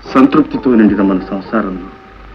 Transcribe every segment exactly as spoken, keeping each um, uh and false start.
సంతృప్తితో నిండిన మన సంసారంలో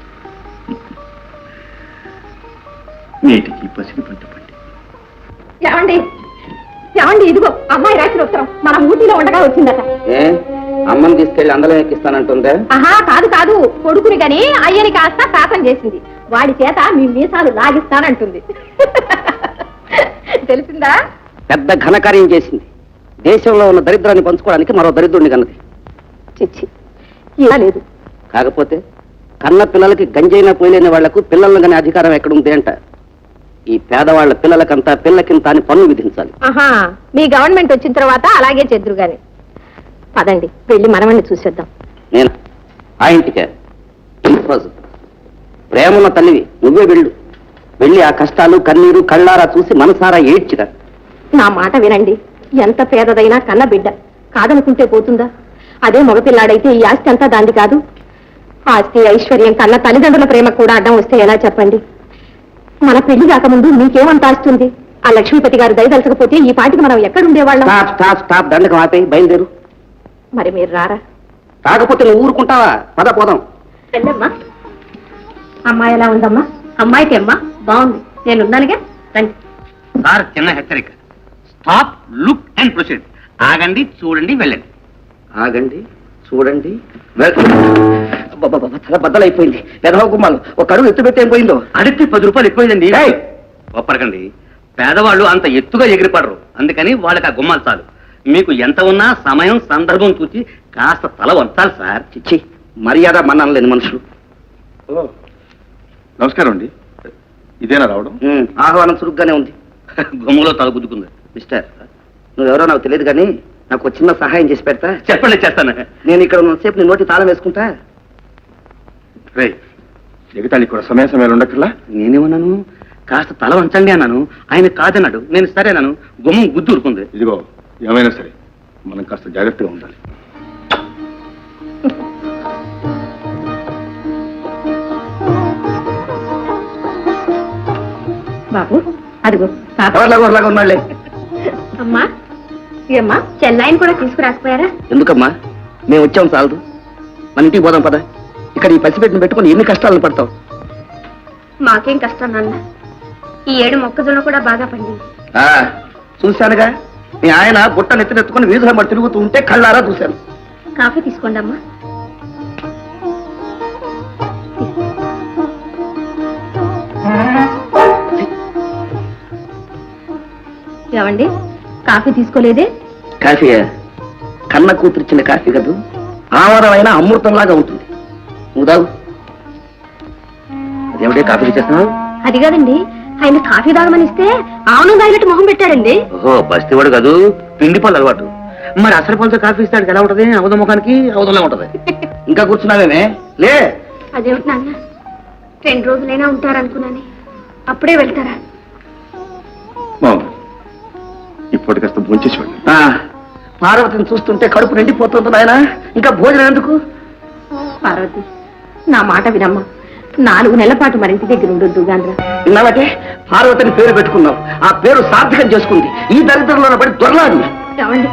నేటికి పసిడి పంట పండి. ఏమండి ఏమండి ఇదిగో అమ్మాయి రాసిన ఉత్తరం మన ఊటీలో ఉండగా వచ్చిందట. అమ్మని తీసుకెళ్లి అందరం ఎక్కిస్తానంటుందే? ఆహా కాదు కాదు, కొడుకుని గని అయ్యని కాస్త శాపం చేసింది. వాడి చేత మీ మీసాలు లాగిస్తానంటుంది. తెలిసిందా? పెద్ద ఘనకార్యం చేసింది. దేశంలో ఉన్న దరిద్రాన్ని పంచుకోవడానికి మరో దరిద్రుడిని కన్నది. చిచ్చి ఇలా లేదు. కాకపోతే కన్న పిల్లలకి గంజైనా పోయలేని వాళ్లకు పిల్లలను కానీ అధికారం ఎక్కడుంది అంట. ఈ పేదవాళ్ల పిల్లలకంతా పిల్లకింత అని పన్ను విధించాలి. ఆహా మీ గవర్నమెంట్ వచ్చిన తర్వాత అలాగే చెద్దురు గాని. పదండి వెళ్ళి మనవణ్ణి చూసేద్దాం. నేను ఆ ఇంటికే ప్రేమన్న తల్లివి, నువ్వే వెళ్ళు. వెళ్ళి ఆ కష్టాలు కన్నీరు కళ్ళారా చూసి మనసారా ఏడ్చిరా. నా మాట వినండి. ఎంత పేదదైనా కన్న బిడ్డ కాదనుకుంటే పోతుందా? అదే మగపిల్లాడైతే ఈ ఆస్తి అంతా దాంది కాదు. ఆస్తి ఐశ్వర్యం కన్న తల్లిదండ్రుల ప్రేమ కూడా అడ్డం వస్తే ఎలా చెప్పండి? మన పెళ్లి కాకముందు మీకేమంత ఆస్తుంది? ఆ లక్ష్మీపతి గారు దయదలచకపోతే ఈ పాటికి మనం ఎక్కడుండేవాళ్ళం? దండకం ఆపేయి, బయలుదేరు. మరి మీరు రారా? కాకపోతే నువ్వు ఊరుకుంటావా? పద పోదాం. వెళ్ళమ్మా. అమ్మాయి ఎలా ఉందమ్మా? అమ్మాయికి అమ్మా బాగుంది, నేనున్నానుగా. రండి. సార్ చిన్న హెచ్చరిక. Stop, look and proceed. ఆగండి, చూడండి, వెళ్ళండి. ఆగండి, చూడండి, తల బద్దలైపోయింది. పెదవ గుమ్మాలు ఒక అడుగు ఎత్తు పెట్టి ఏం పోయిందో? అడిగితే పది రూపాయలు ఎక్కువైందండి. ఒప్పరకండి, పేదవాళ్ళు అంత ఎత్తుగా ఎగిరిపడరు. అందుకని వాళ్ళకి ఆ గుమ్మాలు చాలు. మీకు ఎంత ఉన్నా సమయం సందర్భం చూసి కాస్త తల వంచాలి సార్. చిచ్చి, మర్యాద మన్నాను లేని మనుషులు. నమస్కారం అండి. ఇదేనా రావడం? ఆహ్వానం చురుగ్గానే ఉంది. గుమ్మలో తల గుద్దుకుంది. మిస్టర్, నువ్వెవరో నాకు తెలియదు కానీ నాకు చిన్న సహాయం చేసి పెడతా? చెప్పండి, చేస్తాను. నేను ఇక్కడ ఉన్నసేపు నీ నోటి తాళం వేసుకుంటా. రే ఎగతాళి కూడా సమయ సమయాలు ఉండక్కర్లా. నేనేమన్నాను? కాస్త తల వంచండి అన్నాను. ఆయన కాదన్నాడు. నేను సరేనాను. గుమ్మం గుద్దు ఊరుకుంది. ఇదిగో ఏమైనా సరే మనం కాస్త జాగ్రత్తగా ఉండాలి. బాబు అదిగో ఎవరిలాగా ఉన్నాళ్లే. అమ్మా ఏమ్మా, చెన్నైని కూడా తీసుకురాకపోయారా? ఎందుకమ్మా, మేము వచ్చాం చాలదు. మన ఇంటికి పోదాం పద. ఇక్కడ ఈ పసిపెట్టిన పెట్టుకుని ఎన్ని కష్టాలను పడతావు? మాకేం కష్టం నాన్న. ఈ ఏడు మొక్కజొన్న కూడా బాగా పండింది. చూశానుగా, మీ ఆయన బుట్ట నెత్తినెత్తుకుని వీధుల మరి తిరుగుతూ ఉంటే కళ్ళారా చూశాను. కాఫీ తీసుకోండి అమ్మా. ఏమండి, కాఫీ తీసుకోలేదే? కాఫీ కన్న కూతురిచ్చిన కాఫీ కదూ, ఆమరమైన అమృతంలాగా ఉంటుంది. నువ్వు తాగు. అదేమిటే కాఫీ చేస్తున్నావు? అది కాదండి, ఆయన కాఫీ తాగమని ఇస్తే ఆవును తాగినట్టు మొహం పెట్టాడండి. ఓహో, బస్తీవాడు కాదు, పిండి పళ్ళు అలవాటు. మరి అసలు పళ్ళతో కాఫీ ఇస్తాడు ఎలా ఉంటది? అవధ ముఖానికి అవధంలో ఉంటది. ఇంకా కూర్చున్నావేమే? లే. అదేమిటి నాన్న, రెండు రోజులైనా ఉంటారనుకున్నాను, అప్పుడే వెళ్తారా? ఇప్పటి కాస్త భోంచేసేవాడు. పార్వతిని చూస్తుంటే కడుపు నిండిపోతుంది నాయన, ఇంకా భోజనం ఎందుకు? పార్వతి, నా మాట వినమ్మా. నాలుగు నెలల పాటు మరింటి దగ్గర ఉండొద్దు గాంధ్ర. విన్నావటే, పార్వతిని పేరు పెట్టుకున్నావు. ఆ పేరు సార్థకం చేసుకుంది. ఈ దరిద్రంలో పడి దొరలాడు. ఏమండి,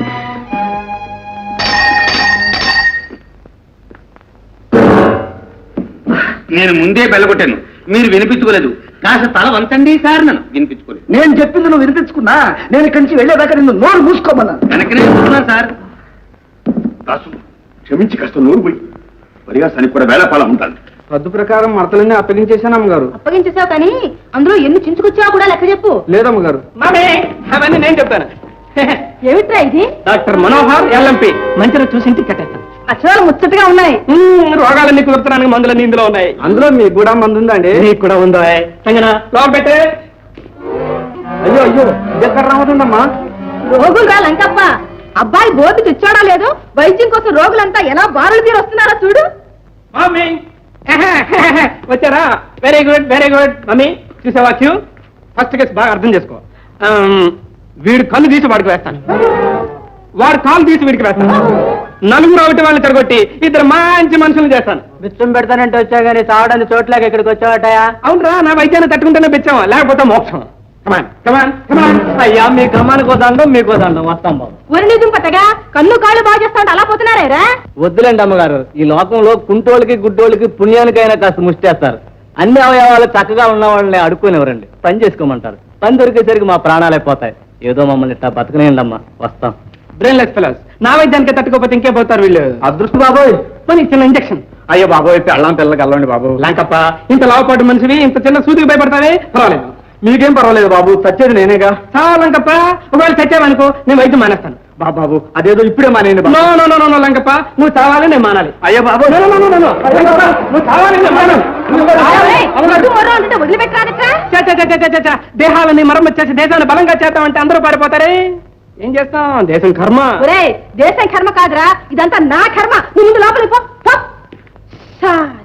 నేను ముందే బెల్లగొట్టాను, మీరు వినిపించుకోలేదు. కాస్త తల వంచండి సార్. నన్ను వినిపించుకోలేదు. నేను చెప్పింది నువ్వు వినిపించుకున్నా? నేను ఇక్కడి నుంచి వెళ్ళేదాకా నిన్ను నోరు మూసుకోమన్నాను. వెనకనే చూస్తున్నాను సార్. దాసు, క్షమించి కాస్త నోరు పోయి పరిహాసానికి కూడా వేళపాల ఉండాలి. పద్దు ప్రకారం మడతలన్నీ అప్పగించేశాను అమ్మగారు. అప్పగించేసావు కానీ అందులో ఎన్ని చించుకొచ్చావు కూడా లెక్క చెప్పు. లేదమ్మగారు. అవన్నీ నేను చెప్తాను. ఏమిట్రా ఇది? Doctor Manohar LMP. మంచిగా చూసి ఇంటికి కట్టేస్తాను. అక్షరాలు ముచ్చటగా ఉన్నాయి. రోగాలన్నీ కుదురుతున్నానికి మందులన్నీ ఇందులో ఉన్నాయి. అందులో మీకు కూడా మందు ఉందండి? నీకు కూడా ఉందో? లోపల పెట్టే. అయ్యో అయ్యో, ఎక్కడ రావతుందమ్మా? రోగులు రా లంకప్ప. అబ్బాయి గోపి తెచ్చాడా లేదు, వైద్యం కోసం రోగులంతా ఎలా బారులు తీరు వస్తున్నారో చూడు. మమ్మీ వచ్చారా? Very good very good. Mummy చూసావా క్యూ? ఫస్ట్ కేసు బాగా అర్థం చేసుకో. వీడు కళ్ళు తీసి వాడికి వేస్తాను, వాడు కాలు తీసి వీడికి వేస్తాను. నలుగురు ఒకటి వాళ్ళని తిరగొట్టి ఇద్దరు మంచి మనుషులు చేస్తాను. బిచ్చం పెడతానంటే వచ్చా గానీ తాగడానికి చోట్లకి ఇక్కడికి వచ్చావటయా? అవునరా, నా వైద్యాన్ని తట్టుకుంటేనే బిచ్చావా, లేకపోతే మోక్షం. కమాన్ కమాన్ కమాన్. అయ్యా మీ కమ్మానికి వదండం, మీకు వదండం. వస్తాం బాబు. ఒరి నిజం పట్టగా కన్ను కాళ్ళు బాగా చేస్తా అలా పోతున్నారే. చేశారా వద్దులేండి అమ్మగారు, ఈ లోకంలో కుంటోళ్ళకి గుడ్డోళ్ళకి పుణ్యానికైనా కాస్త ముష్టేస్తారు. అన్ని అవయవాలు చక్కగా ఉన్న వాళ్ళని అడుక్కునేవరండి, పని చేసుకోమంటారు. పని దొరికేసరికి మా ప్రాణాలే పోతాయి. ఏదో మమ్మల్ని ఇట్టా బతకనేయండి అమ్మా, వస్తాం. బ్రెయిన్లెస్ ఫెలోస్, నా వైద్యానికి తట్టుకోపోతే ఇంకే పోతారు వీళ్ళు. అదృష్ట బాబోయ్, మరి చిన్న ఇంజక్షన్. అయ్యో బాబోయ్, పెళ్ళాం పిల్లలకి వెళ్ళండి బాబు. లాంకప్ప, ఇంత లావపాటు మనిషివి ఇంత చిన్న సూదికి భయపడతావే, పర్వాలేదు. మీకేం పర్వాలేదు బాబు, చచ్చేది నేనేగా. చాలా లంకప్ప, ఒకవేళ చచ్చావనుకో నేను వైద్యం మానేస్తాను. బాబు బాబు అదేదో ఇప్పుడే మానేయండి బాబు. No no no no Lankappa, నువ్వు చావాలి నేను మానాలి. అయ్యో బాబు, no, no, no, no, no. Lankappa, నువ్వు చావాలి నేను మానాలి. నువ్వు చావాలి. అవును. వదిలిపెట్టారట చ, చ, చ, చ, చ, చ. దేహాలని మరమ్మతు చేసి దేశాన్ని బలంగా చేద్దామంటే అందరూ పారిపోతారే. ఏం చేస్తాం, దేశం కర్మ. ఒరే దేశం కర్మ కాదురా, ఇదంతా నా కర్మ. నువ్వు ముందు లోపలికి పో, పో. సా